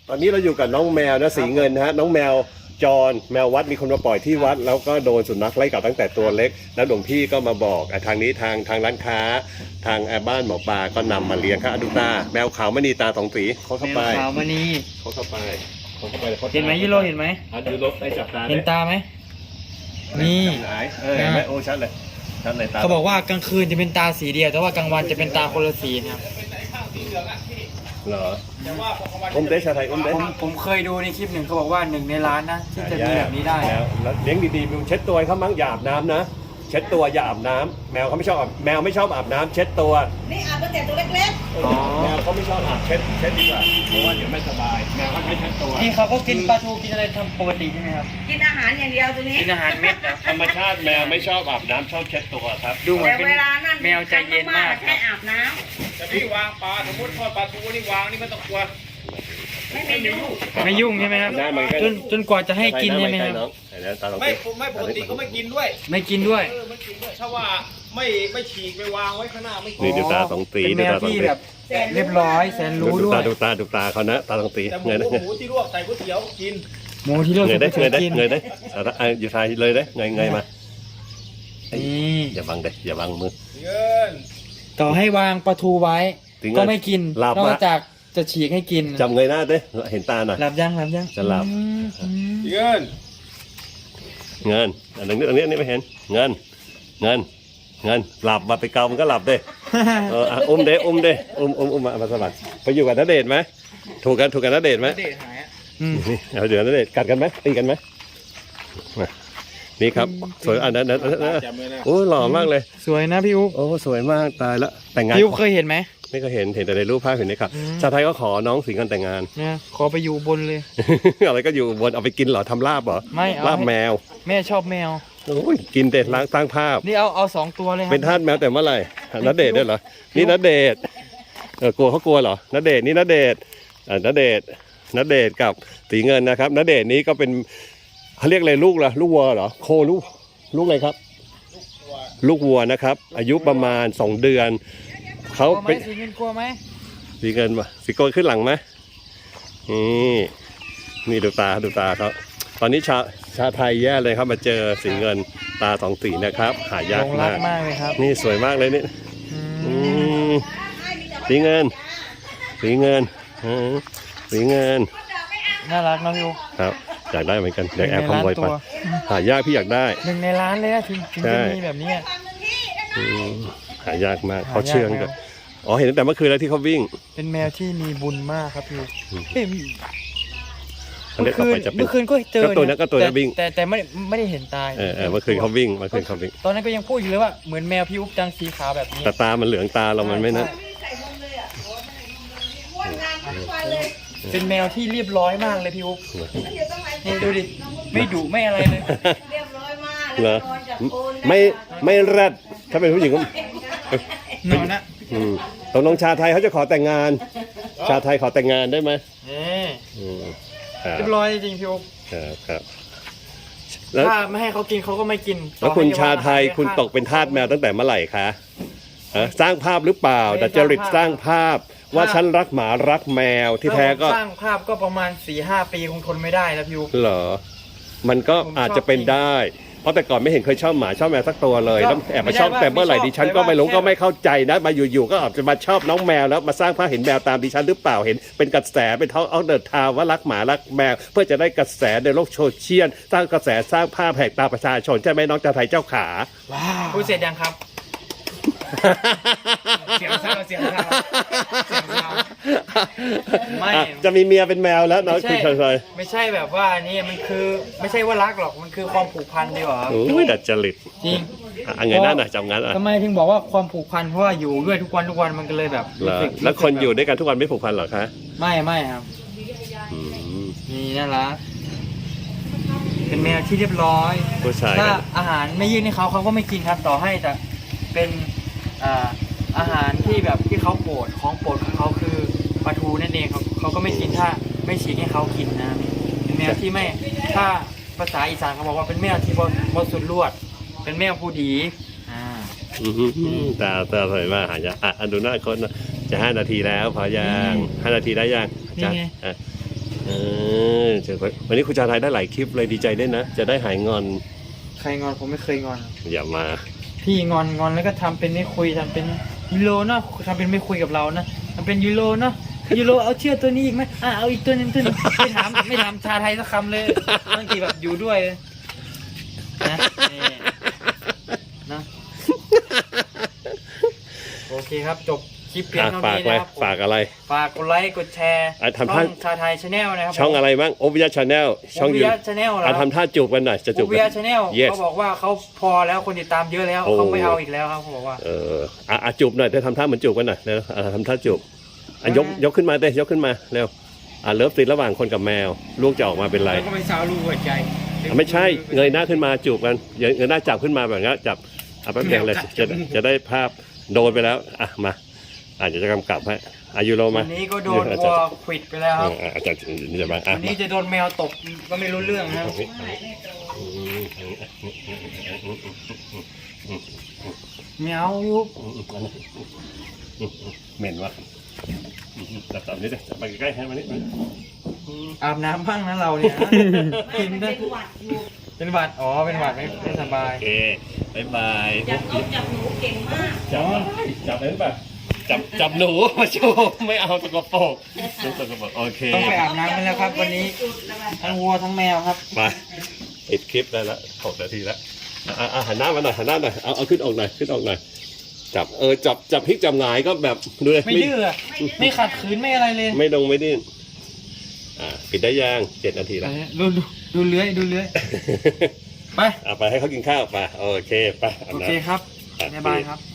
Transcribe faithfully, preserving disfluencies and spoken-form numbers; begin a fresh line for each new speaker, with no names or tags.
ตอนนี้เราอยู่กับน้องแมวนะสีเงินนะฮะน้องแมวจรแมววัดมีคนมาปล่อยที่วัดแล้วก็โดนสุนัขไล่กัดตั้งแต่ตัวเล็กแล้วหลวงพี่ก็มาบอกทางนี้ทางทางร้านค้าทางบ้านหมอปลาก็นำมาเลี้ยงครับดูตาแมวขาวมณีตาสองสีเขาเข้าไป
แมวขาวมณี
เขาเข้าไปเขาเข้าไป
เห็นไหมยูโรเห็นไหม
อ่ะยูโรได้จับตา
เห็นตาไหมนี่
ไหนเออเห็นไหมโอ้ชัดเลยชัดเลยตา
เขาบอกว่ากลางคืนจะเป็นตาสีเดียวแต่ว่ากลางวันจะเป็นตาคนละสีนะครับ
เหรออมเดชาไทยอมเดช
ผมผมเคยดูในคลิปหนึ่งเขาบอกว่าหนึ่งในล้านนะที่จะมีแบบนี้ได้
แล้วแล้วเลี้ยงดีๆมึงเช็ดตัวให้เขามั้งอย่าอาบน้ำนะเช็ดตัวอย่าอาบน้ำแมวเขาไม่ชอบอาบแมวไม่ชอบอาบน้ำเช็ดตัว
นี่อาบตั้งแต่ตัวเล็ก
อ๋อ
แมวเขาไม่ชอบอาบเช็ดเช็ดดีกว่าเพราะว่าเดี๋ยวไม่สบายแมวเขาไม่เช็ดตัว
นี่เขาก็กินปลาทูกินอะไรทำปกติใช่ไหมครับ
ๆ กินอาหารอย่างเดียวตัวนี้
กินอาหารเม็ดนะ
ธรรมชาติแมวไม่ชอบอาบน้ำชอบเช็ดตัวครับ
ดูเหมือน
แต่
เป็น
เวลานั่น
แมวใจเย็นมากค
ให้
รับ
อาบน้
แต่พี่วางปลาสมมติทอดปลาทูนี่วางนี่ไม่ต้องกลัว
ำไม่ไม่ยุ่ง
ไม่ยุ่งใช่ไหมครับ
ได้มันก็
จนจนกว่าจะให้กินใช่ไหมครับ
น้องเห็นไหมตาลอง
ไม่
สิ
ผมไม่ปกติเขาไม่กินด้วย
ไม่กินด้วย
เออไม่กินด้วยถ้าว่าไม่ไม่ฉีกไปวางไว้ข้างหน้าไม่กิ
นี่
น
ดูตาสองตี
เป็นแม
ดู
ว
ตาสอง
ที่
ตี
แบบเรียบร้อยแสนรู้ด้วย
ดูตาดูตาดูตาเขานะตาสองตี
แต่หมู
เงยได้
หมูที่ลวกใส่ก๋วยเตี๋ยวกิน
หมูที่เรา
เงยได้
เค
เง
ย
ยได้
กิน
เงยได้อ่ะอยู่ทายเลยได้เงยเงยมา
นี่
อย่าบังเด็อย่าบังมือ
เงิน
ต่อให้วางปลาทูไว้
ถึง
ก็ไม่กิน
หลับ
นอ
มะ
กจากจะฉีกให้กิน
จำเงยหน้าด้เห็นตาหน่อย
หลับยังหลับยัง
จะหลับ
อืมอืม
เงิน
เงินอันนี้อันนี้อันนี้ไม่เห็นเงินเงินเงินหลับมาไปเกามันก็หลับเด้เอออ่ะอุ้มเด้อุ้มเด้อุ้มอุ้มอุ้มมามาสมัครไปอยู่กับณเดชน์ไหมถูกกันถูกกันณเดชน์ไหม
เดชหายอ่ะ
อืม
นี่เอาเดี๋ยวณเดชน์กัดกันไหมตีกันไหมมานี่ครับสวยอันนั้นอันนั้นอันนั้น
จำไว้นะ
โอ้หล่อมากเลย
สวยนะพี่อุ๊บ
โอ้สวยมากตายละแต่งงาน
พี่อุ๊บเคยเห็นไหม
ไม่ก็เห็นเห็นแต่ในรูปภาพเห็นในข่าว
อืม
ชาวไทยก็ขอน้องสิงห์กันแต่งงาน
เนี่ยขอไปอยู่บนเลย
อะไรก็อยู่บนเอาไปกินเหรอทำลาบเหรอ
ไม่เอา
ลาบแมว
แม่ชอบแมว
โอ้ยกินเด็ดล้างสร้างภาพ
นี่เอาเอาสองตัวเลยครั
เป็นทาสแมวแต่เมื่อไหร่ณเดชน์ด้วยเหรอ นี่ณเดชน์เออกลัวเขากลัวเหรอณเดชน์นี่ณเดชน์อ่าณเดชน์ณเดชน์กับสีเงินนะครับณเดชน์นี้ก็เป็นเขาเรียกอะไรลูกเหรอลูกวัวเหรอโคลูกลูกอะไรครับ ลูกวัวนะครับ อายุประมาณสองเดือนเขา
กลัวไหม
เป็น
สีเงินกลัวไหม
สีเงินมาสีโกนขึ้นหลังไหมนี่นี่ดูตาดูตาเขาตอนนี้ชาชาไทยแย่เลยครับมาเจอสีเงินตาสองสีนะครับ หายาก
หลงรั
มาก ก
มากเลยครับ
นี่สวยมากเลยนี่
อื
อื
ม
มสีเงิน สีเงินอืมสีเงิน
น่ารักเนอะพี่อุ๊บ
ครับอยากได้เหมือนกันอยากแอบ
ห
ข
นึ่งใน
โมย
ล้าน
ไป
ตัว
หายากพี่อยากได้
หนึ่งในล้านเลยนะถึงถึง
ใช่
จะมีแบบเนี้ย
อืมหายากมาก
หายาก
เขาเชื่อง
มาก
กันอ๋อเห็นตั้งแต่เมื่อคืนแล้วที่เขาวิ่ง
เป็นแมวที่มีบุญมากครับพี่อุ๊บ
อืม
เอ้ย
เขาเรียกต่อไปจะเป็น
เมื่อคืนก็เจอ
ก็ตัวนั้นก็ตัวนั้น
แ
วิ่ง
แต่แต่ไม่ไม่ได้เห็นตาย
เออเออเมื่อคืนเขาวิ่งเมื่อคืนเขาวิ่ง
ตอนนั้นก็ยังพูดอยู่เลยว่าเหมือนแมวพี่อุ๊บจังสีขาวแบบนี้
แต่ตามันเหลืองตาเรามันไม่นะ
เป็นแมวที่เรียบร้อยมากเลยพี่อุ๊บนี่ดูดิไม่ดุไม่อะไรเลย
เรียบร้อยมาก
เหร
แล้
อ
วก็นอนจากโคน
ไม่ไม่แรดถ้าเป็นผู้หญิงก็
นอนนะ
อืมตกลงชาไทยเขาจะขอแต่งงาน ชาไทยขอแต่งงานได้ไหม
นี่
อืมครับ
เรียบร้อยจริงๆพี่อุ๊บ
ครับครับแล้ว
ถ้าไม่ให้เขากินเขาก็ไม่กิน
แล้วคุณ
ต่อให้
ชาไทย
ว่
คุณตกเป็นทาสแมวตั้งแต่เมื่อไหร่คะฮะสร้างภาพหรือเปล่าดัดจริตสร้างภาพ ว่าฉันรักหมารักแมวที่แท้ก็
สร้างภาพก็ประมาณสี่ห้าปีคงทนไม่ได้แล้วพี่อุ๊บ
เหรอ มันก็
ผมชอบ
อาจจะเป็นได้ เพราะแต่ก่อนไม่เห็นเคยชอบหมาชอบแมวสักตัวเลย
ก็
แล้วแอบมาชอบ
ไม่ได้ว่า
แต่เมื่อไหร่
ไม่ชอบ
ดิฉันก็
แต่ว่า
ไม่รู้
แค่
ก็ไม่เข้าใจนะมาอยู่ๆก็อาจจะมาชอบน้องแมวแล้วมาสร้างภาพเห็นแมวตามดิฉันหรือเปล่าเห็นเป็นกระแสเป็นท้องเอาเดินทางว่ารักหมารักแมว เพื่อจะได้กระแสในโลกโซเชียลสร้างกระแสสร้างภาพแหกตาประชาชนใช่ไหมน้องชาไทยเจ้าขา
พูดเสร็จยังครับ เสียงเศร้าเสียงเศร้าเสียงเศร้าไม่
อ่ะจะมีเมียเป็นแมวแล้วน้อง
ไม่
คุณ
ใช่
ชาไทย
ไม่ใช่แบบว่านี่มันคือไม่ใช่ว่ารักหรอกมันคือความผูกพันดีกว่า
โอ้ยดัดจริต
จริง
อ่ะไงนั่นน่ะจำงั้นอ่ะ
ทำไมถึงบอกว่าความผูกพันเพราะว่าอยู่ด้วยทุกวันทุกวันมันก็เลยแบบ
เหรอ
รู้สึก
แล้วคนอยู่ด้วยกันทุกวันไม่ผูกพันเหรอคะ
ไม่ไม่ครับ
อืม
นี่น่ารักเป็นแมวที่เรียบร้อย
ผู้ชาย
ถ้า
กัน
อาหารไม่ยื่นให้เขาเขาก็ไม่กินครับ ต่อให้แต่เป็นอ่าอาหารที่แบบที่เขาโปรดของโปรดของเขาคือปลาทูนั่นเองเขาเขาก็ไม่กินถ้าไม่ฉีกให้เขากินนะเป็นแมวที่ไม่ถ้าภาษาอีสานเขาบอกว่าเป็นแมวที่บริสุทธิ์ลวด เป็นแมวผู้ดีอ่า
อืมตาตาสวยมากหายากอ่ะอันดูหน้าคนนะจะห้านาทีแล้วพอยังห้านาทีได้ยัง
นี่ไง
อ่ะเจอวันนี้คุณชาไทยได้หลายคลิปเลยดีใจด้วยนะ จะได้หายงอน
ใครงอนผมไม่เคยงอน
อย่ามา
พี่งอนงอนแล้วก็ทำเป็นไม่คุยทำเป็นยูโรเนาะทำเป็นไม่คุยกับเรานะทำเป็นยูโรเนาะยูโรเอาเชือกตัวนี้อีกไหมอ่ะเอาอีกตัวหนึงตัวหนึงไม่ถามไม่ถามชาไทยสักคำเลยบางทีแบบอยู่ด้วยนะนี่นะโอเคครับจบคลิปเพียง
อ่ะ
เท่า
ฝาก
นี้
ไว้
นะครับ
ฝากอะไร
ฝากกดไลค์กดแชร์
อ่ะทำ
ช่
ท่า
องชาไทยชาแนลนะครับ
ช่องอะไรบ้างโอวิยาชาแนลช่อง
วิ
ยู
ยาชาแนลเหรอ
อ่ะทำท่าจูบกันหน่อยจะจูบ
วิ
กั
ยาน ชาแนล
Yes
เขาบอกว่าเขาพอแล้วคนติดตามเยอะแล้ว
โอ้
เขาไม่เอาอีกแล้วครับเขาบอกว่า
เอออ่ะอ่ะจูบหน่อยเธอทำท่าเหมือนจูบกันหน่อยเร็วอ่ะทำท่าจูบอ่ะยกยกขึ้นมาเต้ยกขึ้นมาเร็วอ่ะเลิฟซีนระหว่างคนกับแมวลูกจะออกมาเป็นไร
แล้วก็ไปซาวลูกหัวใจ
อ่ะไม่ใช่เงยหน้าขึ้นมาจูบกันเงยหน้าจับขึ้นมาแบบนี้จับอ่ะแป๊บเดียวเลยจะจะได้ภาพโดนไปแล้วอ่ะมาอาจจะจะกำกับให้อายุโรมา
วันนี้ก็โดนวัวขวิดไปแล้วครับ
อ่ะอาจารย์จะมาอ่ะ
วันนี้จะโดนแมวตบก็ไม่รู้เรื่องนะครับแมวยุบ
เหม็นวะจับจับนิดจับไปใกล้ๆให้มานิด
อาบน้ำบ้างนะเราเนี่ยนะกิน
มัน
ได้
เป็นหวัดอยู่
เป็นหวัดอ๋อเป็นหวัดไม่ไม่สบาย
โอเคบายบาย
จับนกจับหนูเก่งมาก
จับจับได้ป่ะจับจับหนูมาโชว์ไม่เอาสกปรกสกปรกโอเค
ต้องไปอาบน้ำกันแล้วครับ วันนี้
สุดแล้วอะ
ทั้งวัวทั้งแมวครับ
มาปิดคลิปได้แล้วหกนาทีแล้วอ่ะอ่ะหันหน้ามาหน่อยหันหน้าหน่อยเอาเอาขึ้นออกหน่อยขึ้นออกหน่อยจับเออจับจับพลิกจับหงายก็แบบดูเลย
ไม่ดื้ออะไม่ขัดขืนไม่อะไรเลย
ไม่ดงไม่ดิ้นอ่าปิดได้ยังเจ็ดนาทีแล้ว
ดูดูดูเลื้อยดูเลื้อยไป
อ่ะไปให้เขากินข้าวไปโอเคไปอาบ
โอ
น้ำ
เคครับ
อ่ะ
บ๊ายบายครับ